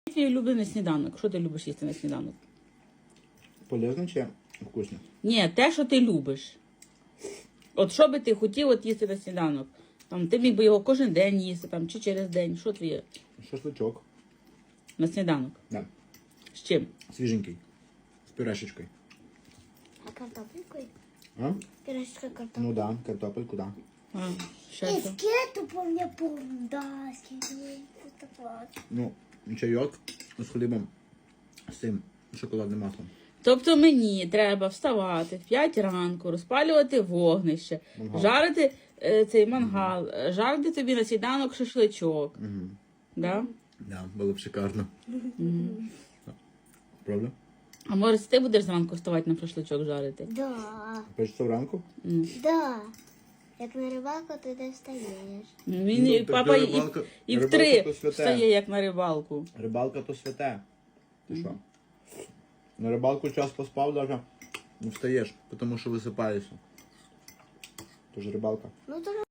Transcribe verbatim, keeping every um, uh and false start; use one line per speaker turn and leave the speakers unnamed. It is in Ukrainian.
Твій улюблений сніданок. Що ти любиш їсти на сніданок?
Полезно чи вкусно?
Ні, те, що ти любиш. От що би ти хотів от їсти на сніданок? Там, ти міг би його кожен день їсти, там, чи через день. Що твоє
Шашличок.
на сніданок?
Да.
З чим?
Свіженький. З пюрешечкою.
А картопелькой?
А?
Пюрешечка картопелька.
Ну да, картопельку, да.
А, ще
И
що?
с кетчупом я помню, да, с кетчупом.
Ну, чайок з хлібом, з цим шоколадним маслом.
Тобто мені треба вставати в п'ять ранку, розпалювати вогнище,
Мангал.
жарити е, цей мангал, е, жарити тобі на сніданок шашличок.
Угу.
Да?
Да, було б шикарно.
Угу.
Правда?
А може ти будеш зранку вставати на шашличок жарити?
Да,
Першого ранку?
М.
да. Як на рибалку ти не встаєш.
Він,
Ну,
і
так
папа і,
рибалка-
і в
рибалка
три
то святе.
встає, як на рибалку.
Рибалка то святе. Ти що? На рибалку час поспав даже, не встаєш, тому що висипаєшся. Тож рибалка.
Ну, то